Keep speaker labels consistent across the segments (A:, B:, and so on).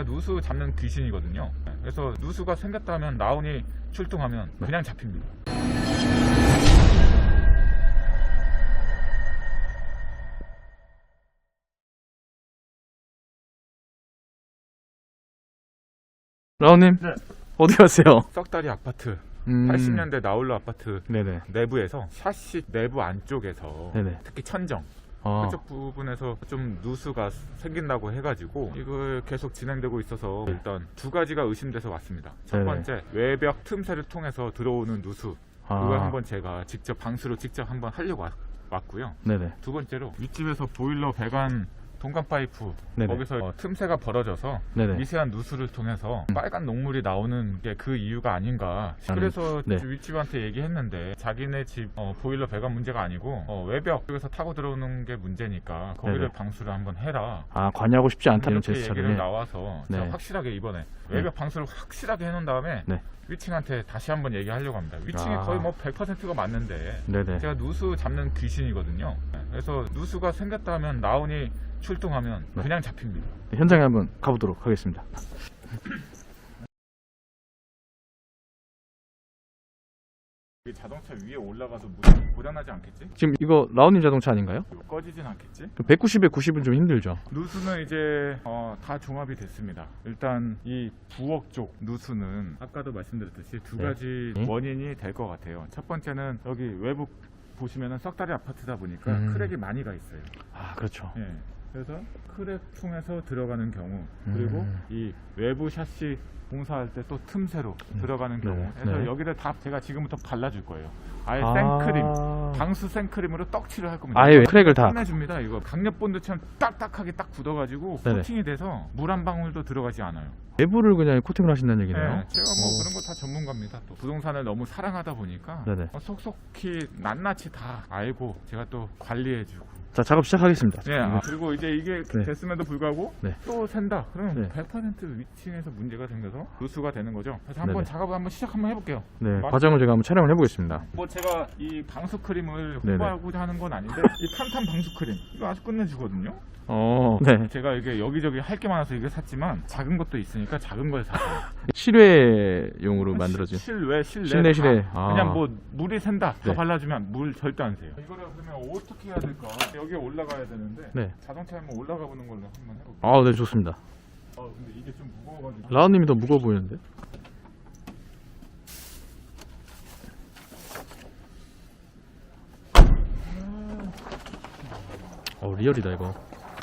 A: 제가 누수 잡는 귀신이거든요. 그래서 누수가 생겼다면 라온이 출동하면 그냥 잡힙니다.
B: 라온님,
A: 네.
B: 어디 가세요?
A: 썩다리 아파트 80년대 나홀로 아파트
B: 네네.
A: 내부에서 샤시 내부 안쪽에서
B: 네네.
A: 특히 천정
B: 아,
A: 그쪽 부분에서 좀 누수가 생긴다고 해가지고 이걸 계속 진행되고 있어서 일단 두 가지가 의심돼서 왔습니다. 첫
B: 네네.
A: 번째, 외벽 틈새를 통해서 들어오는 누수, 그걸 한번 제가 직접 방수로 직접 한번 하려고 왔고요.
B: 네네.
A: 두 번째로 윗집에서 보일러 배관 동관 파이프
B: 네네.
A: 거기서 틈새가 벌어져서
B: 네네.
A: 미세한 누수를 통해서 빨간 녹물이 나오는 게 그 이유가 아닌가. 그래서
B: 네.
A: 윗집한테 얘기했는데 자기네 집 보일러 배관 문제가 아니고 외벽 쪽에서 타고 들어오는 게 문제니까 거기를
B: 네네.
A: 방수를 한번 해라.
B: 아, 관여하고 싶지 않다는
A: 이렇게 얘기를
B: 제스처를.
A: 나와서
B: 네.
A: 제가 확실하게 이번에 외벽 방수를 확실하게 해놓은 다음에
B: 네.
A: 위층한테 다시 한번 얘기하려고 합니다. 위층이
B: 아.
A: 거의 뭐 100%가 맞는데
B: 네네.
A: 제가 누수 잡는 귀신이거든요. 그래서 누수가 생겼다면 라온이 출동하면
B: 네.
A: 그냥 잡힙니다.
B: 현장에 한번 가보도록 하겠습니다.
A: 이 자동차 위에 올라가서 고장나지 않겠지?
B: 지금 이거 라온님 자동차 아닌가요?
A: 꺼지진 않겠지?
B: 190에 90은 좀 힘들죠.
A: 누수는 이제 다 종합이 됐습니다. 일단 이 부엌 쪽 누수는 아까도 말씀드렸듯이 두
B: 네.
A: 가지
B: 네.
A: 원인이 될 것 같아요. 첫 번째는 여기 외부 보시면은 썩다리 아파트다 보니까 크랙이 많이 가 있어요.
B: 아, 그렇죠.
A: 예. 그래서 크랙 통해서 들어가는 경우, 그리고 이 외부 샤시 공사할 때 또 틈새로 들어가는 경우,
B: 네.
A: 그래서
B: 네.
A: 여기를 다 제가 지금부터 발라줄 거예요. 아예
B: 아.
A: 생크림, 방수 생크림으로 떡칠을 할 겁니다.
B: 아예 크랙을 다.
A: 끝내줍니다. 이거 강력본드처럼 딱딱하게 딱 굳어가지고
B: 네네.
A: 코팅이 돼서 물 한 방울도 들어가지 않아요.
B: 내부를 그냥 코팅을 하신다는 얘기네요.
A: 네, 제가 뭐 그런 거 다 전문가입니다. 또 부동산을 너무 사랑하다 보니까
B: 네네.
A: 속속히 낱낱이 다 알고 제가 또 관리해주고.
B: 자, 작업 시작하겠습니다.
A: 네, 그리고 이제 이게
B: 네.
A: 됐음에도 불구하고
B: 네.
A: 또 샌다. 그러면
B: 네.
A: 100% 위층에서 문제가 생겨서 누수가 되는 거죠. 그래서 한번
B: 네네.
A: 작업을 한번 시작 한번 해볼게요.
B: 네, 과정을 제가 한번 촬영을 해보겠습니다.
A: 뭐 제가 이 방수 크림을
B: 네네.
A: 홍보하고자 하는 건 아닌데 이 탄탄 방수 크림 이거 아주 끝내주거든요.
B: 네.
A: 제가 이게 여기저기 할 게 많아서 이거 샀지만 작은 것도 있으니까 작은 걸 샀어요.
B: 실외용으로 만들어진.
A: 실내
B: 실내.
A: 다
B: 아.
A: 그냥 뭐 물이 샌다 다
B: 네.
A: 발라주면 물 절대 안 새요. 이거를 그러면 어떻게 해야 될까? 여기에 올라가야 되는데
B: 네.
A: 자동차에 한번 올라가 보는 걸로 한번 해볼게요.
B: 아, 네, 좋습니다.
A: 근데 이게 좀 무거워가지고
B: 라온님이 더 무거워 보이는데? 리얼이다 이거.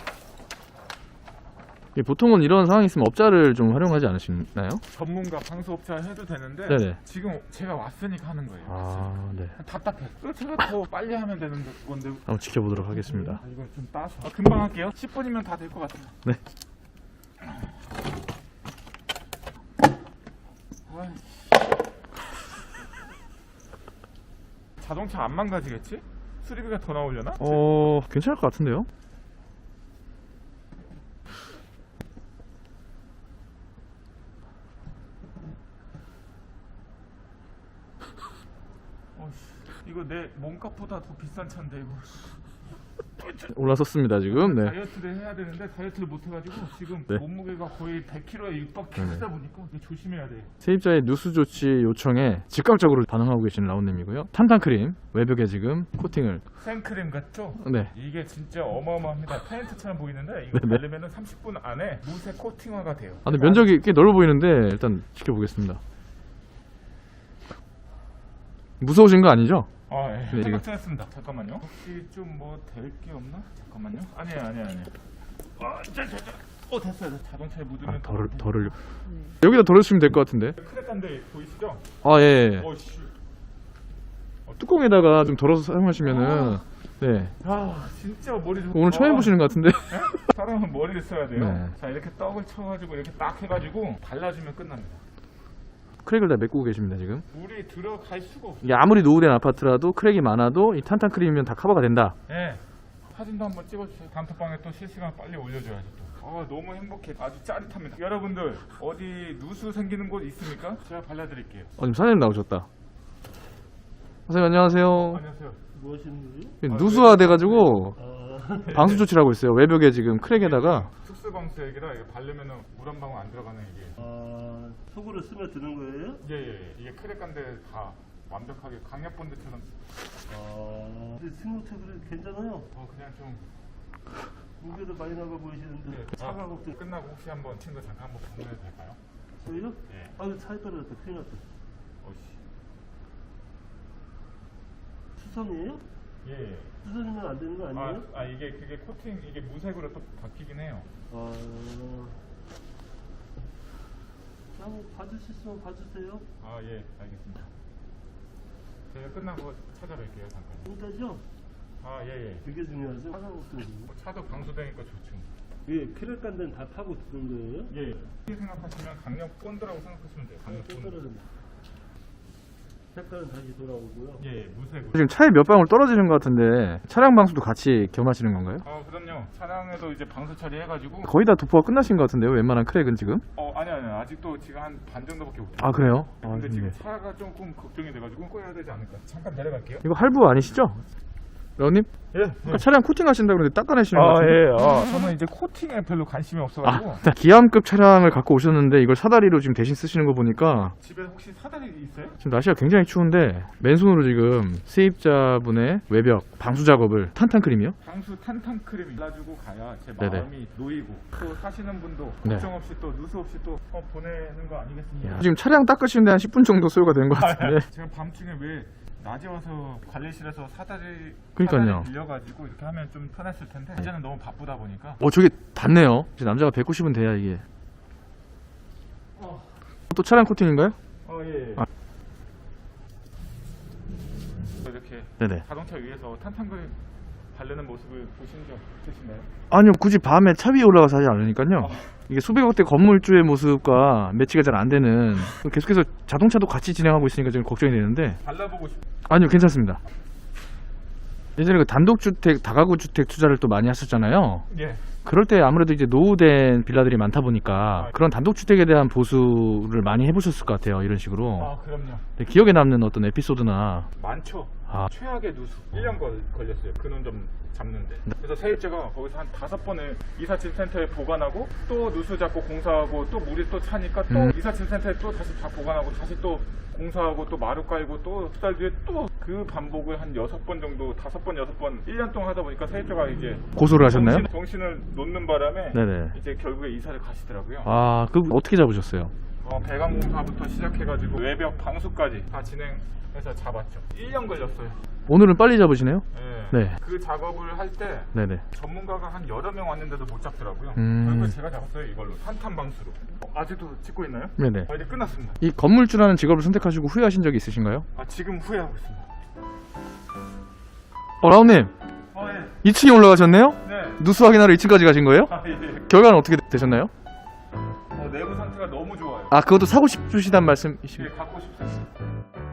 B: 보통은 이런 상황이 있으면 업자를 좀 활용하지 않으시나요?
A: 전문가 방수업자 해도 되는데
B: 네네.
A: 지금 제가 왔으니까 하는 거예요.
B: 아, 네.
A: 답답해. 또 제가 더 빨리 하면 되는 건데.
B: 한번 지켜보도록 하겠습니다.
A: 이거 좀 따서. 금방 할게요. 10분이면 다 될 것 같아요.
B: 네.
A: 자동차 안 망가지겠지? 수리비가 더 나오려나?
B: 괜찮을 것 같은데요?
A: 이거 내 몸값보다 더 비싼 차인데 이거.
B: 올라섰습니다 지금. 네.
A: 다이어트를 해야 되는데 다이어트를 못 해가지고 지금
B: 네.
A: 몸무게가 거의 100kg에 육박하다 보니까 조심해야 돼.
B: 세입자의 누수 조치 요청에 즉각적으로 반응하고 계신 라온님이고요. 탄탄크림 외벽에 지금 코팅을.
A: 생크림 같죠?
B: 네.
A: 이게 진짜 어마어마합니다. 페인트처럼 보이는데 이거
B: 네네.
A: 바르면은 30분 안에 무쇠 코팅화가 돼요.
B: 아, 근데 면적이 꽤 넓어 보이는데 일단 지켜보겠습니다. 무서우신 거 아니죠?
A: 예.
B: 네,
A: 생각했습니다. 잠깐만요. 혹시 좀 뭐 될 게 없나? 잠깐만요. 아니에요. 됐어요. 자동차에 묻으면
B: 덜을 여기다 덜어주시면 될 것 같은데.
A: 크랙한데 보이시죠?
B: 아, 예.
A: 씨.
B: 뚜껑에다가 좀 덜어서 사용하시면은 네.
A: 진짜 머리 좀.
B: 오늘 처음 해보시는 것 같은데.
A: 사람은 머리를 써야 돼요.
B: 네.
A: 자, 이렇게 떡을 쳐가지고 이렇게 딱 해가지고 발라주면 끝납니다.
B: 크랙을 다 메꾸고 계십니다 지금.
A: 물이 들어갈 수가 없어요.
B: 이게 아무리 노후된 아파트라도 크랙이 많아도 이 탄탄크림이면 다 커버가 된다.
A: 네. 사진도 한번 찍어주세요. 단톡방에 또 실시간 빨리 올려줘야죠 또. 너무 행복해. 아주 짜릿합니다. 여러분들 어디 누수 생기는 곳 있습니까? 제가 발라드릴게요.
B: 지금 사장님 나오셨다. 선생님 안녕하세요.
A: 안녕하세요.
C: 무엇인지?
B: 누수화 돼가지고 방수 조치라고 있어요. 외벽에 지금 크랙에다가.
A: 특수 방수액이라 이게 바르면은 물 한 방울 안 들어가는 이게.
C: 속으로 스며드는 거예요?
A: 예. 이게 크랙 간데 다 완벽하게 강력 본드처럼.
C: 근데 승용차 그래 괜찮아요.
A: 그냥 좀.
C: 무게도 많이 나가 보이시는데 차가 걱정.
A: 끝나고 혹시 한번 친구 잠깐 한번 방문해도 될까요?
C: 저희요?
A: 예.
C: 차에 떨어졌다. 큰일 났다.
A: 어씨.
C: 수선이에요?
A: 예.
C: 수선이면 안 되는 거 아니에요?
A: 이게 그게 코팅 이게 무색으로 또 바뀌긴 해요.
C: 한번 봐주실 수 있으면 봐주세요.
A: 예, 알겠습니다. 제가 끝나고 찾아뵐게요, 잠깐.
C: 진짜죠?
A: 예.
C: 그게 중요하죠. 차가 걱정이에요.
A: 차도 방수되니까 좋죠.
C: 예, 크랙 간 데는 다 타고 드는 거예요?
A: 예. 이렇게 생각하시면 강력 본드라고 생각하시면 돼요. 강력
C: 또
A: 본드.
C: 떨어진다. 색깔은 다시 돌아오고요.
A: 예, 무색으로.
B: 지금 차에 몇 방울 떨어지는 것 같은데 차량 방수도 같이 겸하시는 건가요?
A: 그럼요. 차량에도 이제 방수 처리해가지고.
B: 거의 다 도포가 끝나신 것 같은데요. 웬만한 크랙은 지금?
A: 아니요. 아직도 지금 한 반 정도밖에 못.
B: 그래요?
A: 근데 지금 차가 조금 걱정이 돼가지고 꺼야 되지 않을까. 잠깐 내려갈게요.
B: 이거 할부 아니시죠? 라우님?
A: 예.
B: 아까 차량 코팅하신다고 그러는데 닦아내시는 것 같은데?
A: 예. 저는 이제 코팅에 별로 관심이 없어가지고.
B: 기암급 차량을 갖고 오셨는데 이걸 사다리로 지금 대신 쓰시는 거 보니까
A: 집에 혹시 사다리 있어요?
B: 지금 날씨가 굉장히 추운데 맨손으로 지금 세입자분의 외벽 방수 작업을 탄탄크림이요?
A: 방수 탄탄 크림이 발라주고 가야 제
B: 네네.
A: 마음이 놓이고 또 사시는 분도
B: 네.
A: 걱정 없이 또 누수 없이 또 보내는 거 아니겠습니까?
B: 지금 차량 닦으시는데 한 10분 정도 소요가 된 것 같은데
A: 제가 밤중에 왜 낮에 와서 관리실에서 사다리
B: 그러니까요.
A: 빌려가지고 이렇게 하면 좀 편했을 텐데 이제는 너무 바쁘다 보니까
B: 저게 닿네요. 이제 남자가 190은 돼야 이게 또 차량 코팅인가요?
A: 예.
B: 아.
A: 이렇게
B: 네네.
A: 자동차 위에서 탄탄크림 바르는 모습을 보신 적 있으신가요?
B: 아니요, 굳이 밤에 차 위에 올라가서 하지 않으니까요. 이게 수백억 대 건물주의 모습과 매치가 잘 안 되는, 계속해서 자동차도 같이 진행하고 있으니까 지금 걱정이 되는데.
A: 발라보고 싶.
B: 아니요, 괜찮습니다. 예전에 그 단독주택, 다가구 주택 투자를 또 많이 하셨잖아요.
A: 예.
B: 그럴 때 아무래도 이제 노후된 빌라들이 많다 보니까 그런 단독주택에 대한 보수를 많이 해보셨을 것 같아요. 이런 식으로.
A: 그럼요.
B: 기억에 남는 어떤 에피소드나.
A: 많죠.
B: 아.
A: 최악의 누수 1년 걸렸어요. 근원 좀 잡는데. 그래서 세입자가 거기서 한 5번을 이사짐 센터에 보관하고 또 누수 잡고 공사하고 또 물이 또 차니까 또 이사짐 센터에 또 다시 다 보관하고 다시 또 공사하고 또 마루 깔고 또 두 달 뒤에 또 그 반복을 한 6번 정도 5번 6번 1년 동안 하다 보니까 세입자가 이제
B: 고소를 하셨나요?
A: 정신을 놓는 바람에
B: 네네.
A: 이제 결국에 이사를 가시더라고요.
B: 그 어떻게 잡으셨어요?
A: 배관 공사부터 시작해가지고 외벽 방수까지 다 진행해서 잡았죠. 1년 걸렸어요.
B: 오늘은 빨리 잡으시네요? 네.
A: 그 작업을 할 때
B: 네네.
A: 전문가가 한 여러 명 왔는데도 못 잡더라고요.
B: 음.
A: 결국에 제가 잡았어요. 이걸로 탄탄 방수로. 아직도 찍고 있나요?
B: 네네.
A: 이제 끝났습니다.
B: 이 건물주라는 직업을 선택하시고 후회하신 적이 있으신가요?
A: 지금 후회하고 있습니다.
B: 라운님,
A: 예.
B: 2층에 올라가셨네요?
A: 네.
B: 누수 확인하러 2층까지 가신 거예요?
A: 예.
B: 결과는 어떻게 되셨나요?
A: 내부 상태가 너무 좋아요.
B: 그것도 사고 싶으시단 말씀이십니까?
A: 갖고 싶습니다.